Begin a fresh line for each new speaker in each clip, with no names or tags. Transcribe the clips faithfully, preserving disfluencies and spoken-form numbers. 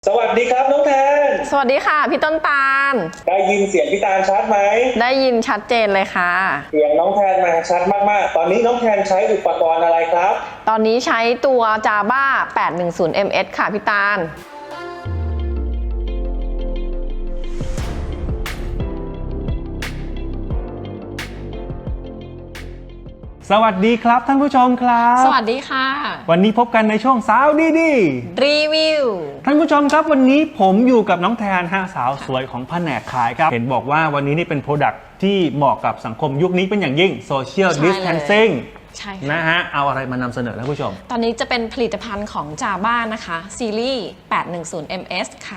สวัสดีครับน้องแทน
สวัสดีค่ะพี่ต้นตาล
ได้ยินเสียงพี่ตาลชัดไหม
ได้ยินชัดเจนเลยค่ะ
เสียงน้องแทนมาชัดมากๆตอนนี้น้องแทนใช้อุปกรณ์อะไรครับ
ตอนนี้ใช้ตัว Java แปดหนึ่งศูนย์ เอ็ม เอส ค่ะพี่ตาล
สวัสดีครับท่านผู้ชมครับ
สวัสดีค่ะ
วันนี้พบกันในช่วงสาวดีดี
รีวิว
ท่านผู้ชมครับวันนี้ผมอยู่กับน้องแทนฮะสาวสวยของแผนกขายครับเห็นบอกว่าวันนี้นี่เป็นโปรดักต์ที่เหมาะกับสังคมยุคนี้เป็นอย่างยิ่ง Social Distancing
ใช่
นะฮะเอาอะไรมานำเสนอท่านผู้ชม
ตอนนี้จะเป็นผลิตภัณฑ์ของ Java นะคะซีรีส์ แปดหนึ่งศูนย์ เอ็ม เอส ค่ะ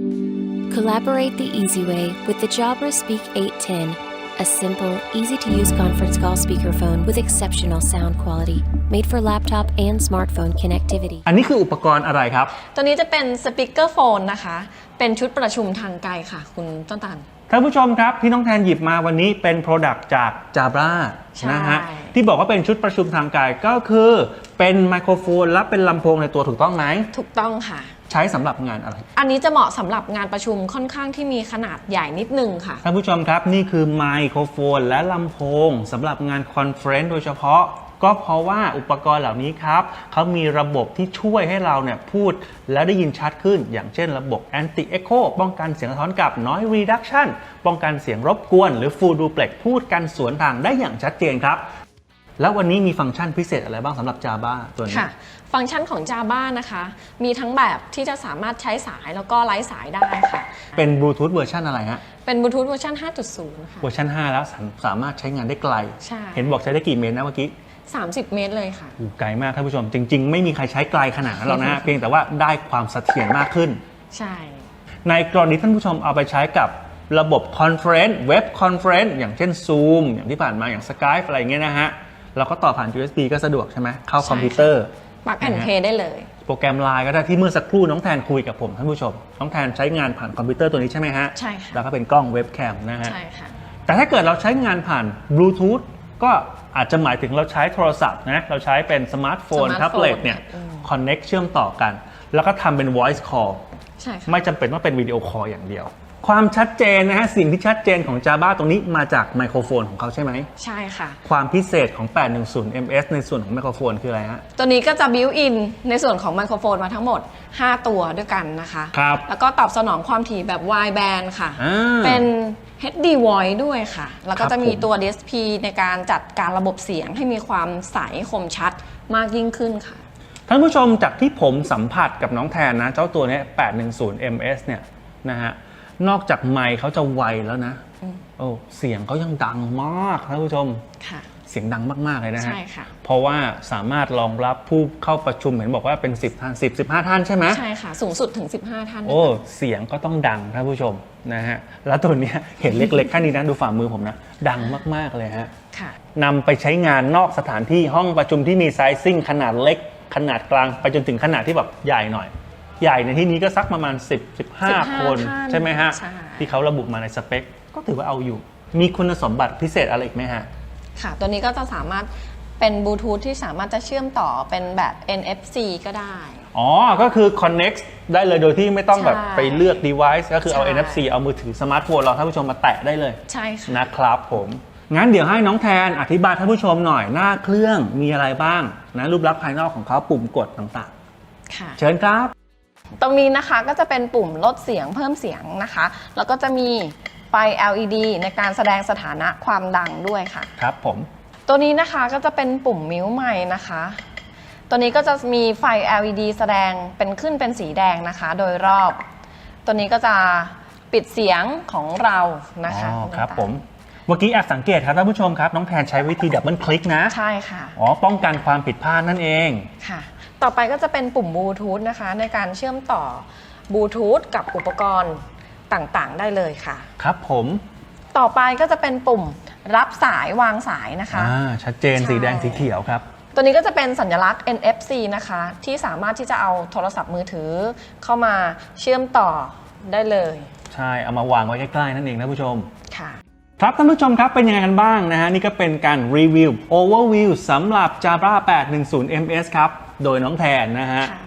Collaborate the easy way with the Jabra Speak เอทเท็นA simple, easy-to-use conference call speakerphone with exceptional sound quality, made for laptop and smartphone connectivity.
อันนี้คืออุปกรณ์อะไรครับ
ตัวนี้จะเป็นสปีกเกอร์โฟนนะคะเป็นชุดประชุมทางไกลค่ะคุณต้นตาล
ท่านผู้ชมครับที่น้องแทนหยิบมาวันนี้เป็น Product จาก Jabra นะฮะที่บอกว่าเป็นชุดประชุมทางไกลก็คือเป็นไมโครโฟนและเป็นลำโพงในตัวถูกต้องไหม
ถูกต้องค่ะ
ใช้สำหรับงานอะไร
อันนี้จะเหมาะสำหรับงานประชุมค่อนข้างที่มีขนาดใหญ่นิดนึงค่ะ
ท่านผู้ชมครับนี่คือไมโครโฟนและลำโพงสำหรับงานคอนเฟรนซ์โดยเฉพาะก็เพราะว่าอุปกรณ์เหล่านี้ครับเขามีระบบที่ช่วยให้เราเนี่ยพูดแล้วได้ยินชัดขึ้นอย่างเช่นระบบ Anti Echo ป้องกันเสียงสะท้อนกลับ Noise Reduction ป้องกันเสียงรบกวนหรือ Full Duplex พูดกันสวนทางได้อย่างชัดเจนครับแล้ววันนี้มีฟังก์ชันพิเศษอะไรบ้างสำหรับ Java ตัวนี้
ค่ะฟังก์ชันของ Java นะคะมีทั้งแบบที่จะสามารถใช้สายแล้วก็ไร้สายได้ค่ะ
เป็นบลูทูธเวอร์ชันอะไรฮะ
เป็นบลูทูธเวอร์ชัน ห้าจุดศูนย์ ค่ะ
เวอร์ชันห้าแล้วสามารถใช้งานได้ไกล
ใช่
เห็นบอกใช้ได้กี่เมตรนะเมื่อกี้
สามสิบเมตรเลยค่ะ
ไกลมากท่านผู้ชมจริงๆไม่มีใครใช้ไกลขนาดนั้นหรอกนะฮะ เพียงแต่ว่าได้ความเสถียรมากขึ้น
ใช่
ในกรณีท่านผู้ชมเอาไปใช้กับระบบคอนเฟรนซ์เว็บคอนเฟรนซ์อย่างเช่น Zoom อย่างที่ผ่านมาอย่าง Skype อะไรเงี้ยนะฮะเราก็ต่อผ่าน ยู เอส บี ก็สะดวกใช่ไหมเข้าคอมพิวเตอร์
ปลั๊กแอนด์เพลย์ได้เลย
โปรแกรม ไลน์ ก็ได้ที่เมื่อสักครู่น้องแทนคุยกับผมท่านผู้ชมน้องแทนใช้งานผ่านคอมพิวเตอร์ตัวนี้ใช่ไหมฮะ
ใช่ค่ะ
แล้วก็เป็นกล้องเว็บแคมนะฮะ
ใช่ค่ะ
แต่ถ้าเกิดเราใช้งานผ่านบลูทูธก็อาจจะหมายถึงเราใช้โทรศัพท์นะเราใช้เป็นสมาร์ทโฟนแท็บเล็ตเนี่ยคอนเน็กเชื่อมต่อกันแล้วก็ทำเป็น voice call
ใช่
ไม่จำเป็นต้องเป็นวิดีโอคอลอย่างเดียวความชัดเจนนะฮะสิ่งที่ชัดเจนของ Java ตรงนี้มาจากไมโครโฟนของเขาใช่ไหม
ใช่ค่ะ
ความพิเศษของ แปดหนึ่งศูนย์ เอ็ม เอส ในส่วนของไมโครโฟนคืออะไรฮะ
ตัวนี้ก็จะบิวอินในส่วนของไมโครโฟนมาทั้งหมดห้าตัวด้วยกันนะคะ
ครับ
แล้วก็ตอบสนองความถี่แบบ wide band ค่ะเป็น เอช ดี Voice ด้วยค่ะแล้วก็จะมีตัว ดี เอส พี ในการจัดการระบบเสียงให้มีความใสคมชัดมากยิ่งขึ้นค่ะ
ท่านผู้ชมจากที่ผมสัมผัสกับน้องแทนนะเจ้าตัวนี้ แปดหนึ่งศูนย์ เอ็ม เอส เนี่ยนะฮะนอกจากไมค์เขาจะไวแล้วนะโอ้เสียงเขายังดังมากท่านผู้ชมเสียงดังมากๆเลยนะฮะ
ใช่ค่ะ
เพราะว่าสามารถรองรับผู้เข้าประชุมเห็นบอกว่าเป็นสิบท่านสิบ สิบห้าท่านใช่ไหม
ใช่ค่ะสูงสุดถึงสิบห้าท่าน
โอ้เสียงก็ต้องดังท่านผู้ชมนะฮะแล้วตัวนี้เห็นเล็กๆแค่นี้นะดูฝ่ามือผมนะดังมากๆเลยฮะนำไปใช้งานนอกสถานที่ห้องประชุมที่มีไซซิ่งขนาดเล็กขนาดกลางไปจนถึงขนาดที่แบบใหญ่หน่อยใหญ่ในที่นี้ก็สักประมาณ สิบ สิบห้า คนใช่ไหมฮะที่เขาระบุมาในสเปคก็ถือว่าเอาอยู่มีคุณสมบัติพิเศษอะไรอีกไหมฮะ
ค่ะตัวนี้ก็จะสามารถเป็นบลูทูธที่สามารถจะเชื่อมต่อเป็นแบบ เอ็น เอฟ ซี ก็ได้
อ๋อก็คือ connect ได้เลยโดยที่ไม่ต้องแบบไปเลือก device ก็คือเอา เอ็น เอฟ ซี เอามือถือสมาร์ทโฟนเราท่านผู้ชมมาแตะได้เลย
ใช่ค่ะ
นะครับผมงั้นเดี๋ยวให้น้องแทนอธิบายท่านผู้ชมหน่อยหน้าเครื่องมีอะไรบ้างนะรูปลักษณ์ภายนอกของเขาปุ่มกดต่าง
ๆค่ะ
เชิญครับ
ตรงนี้นะคะก็จะเป็นปุ่มลดเสียงเพิ่มเสียงนะคะแล้วก็จะมีไฟ แอล อี ดี ในการแสดงสถานะความดังด้วยค่ะ
ครับผม
ตัวนี้นะคะก็จะเป็นปุ่มมิวไมค์นะคะตัวนี้ก็จะมีไฟ แอล อี ดี แสดงเป็นขึ้นเป็นสีแดงนะคะโดยรอบตัวนี้ก็จะปิดเสียงของเรานะคะ
อ๋อครับผมเมื่อกี้แอบสังเกตครับท่านผู้ชมครับน้องแทนใช้วิธีดับเบิลคลิกนะ
ใช่ค่ะ
อ๋อป้องกันความผิดพลาดนั่นเอง
ค่ะต่อไปก็จะเป็นปุ่มบลูทูธนะคะในการเชื่อมต่อบลูทูธกับอุปกรณ์ต่างๆได้เลยค่ะ
ครับผม
ต่อไปก็จะเป็นปุ่มรับสายวางสายนะคะ
อ่าชัดเจนสีแดงสีเขียวครับ
ตัวนี้ก็จะเป็นสัญลักษณ์ เอ็น เอฟ ซี นะคะที่สามารถที่จะเอาโทรศัพท์มือถือเข้ามาเชื่อมต่อได้เลย
ใช่เอามาวางไว้ใกล้ๆนั่นเองนะผู้ชม
ค่ะ
ครับท่านผู้ชมครับเป็นยังไงกันบ้างนะฮะนี่ก็เป็นการรีวิว Overview สำหรับ Jabra แปดหนึ่งศูนย์ เอ็ม เอส ครับโดยน้องแทนนะฮะ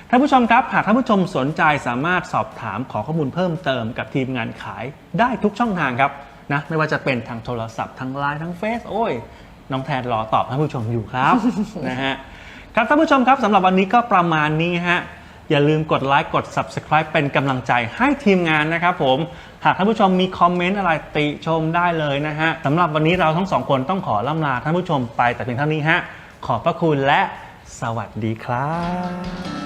ท่านผู้ชมครับหากท่านผู้ชมสนใจสามารถสอบถามขอข้อมูลเพิ่มเติมกับทีมงานขายได้ทุกช่องทางครับนะไม่ว่าจะเป็นทางโทรศัพท์ทางไลน์ทางเฟซโอ้ยน้องแทนรอตอบท่านผู้ชมอยู่ครับ นะฮะครับท่านผู้ชมครับสำหรับวันนี้ก็ประมาณนี้ฮะอย่าลืมกดไลค์กด ซับสไครบ์ เป็นกำลังใจให้ทีมงานนะครับผมหากท่านผู้ชมมีคอมเมนต์อะไรติชมได้เลยนะฮะสำหรับวันนี้เราทั้งสองคนต้องขอล่ำลาท่านผู้ชมไปแต่เพียงเท่านี้ฮะขอบพระคุณและสวัสดีครับ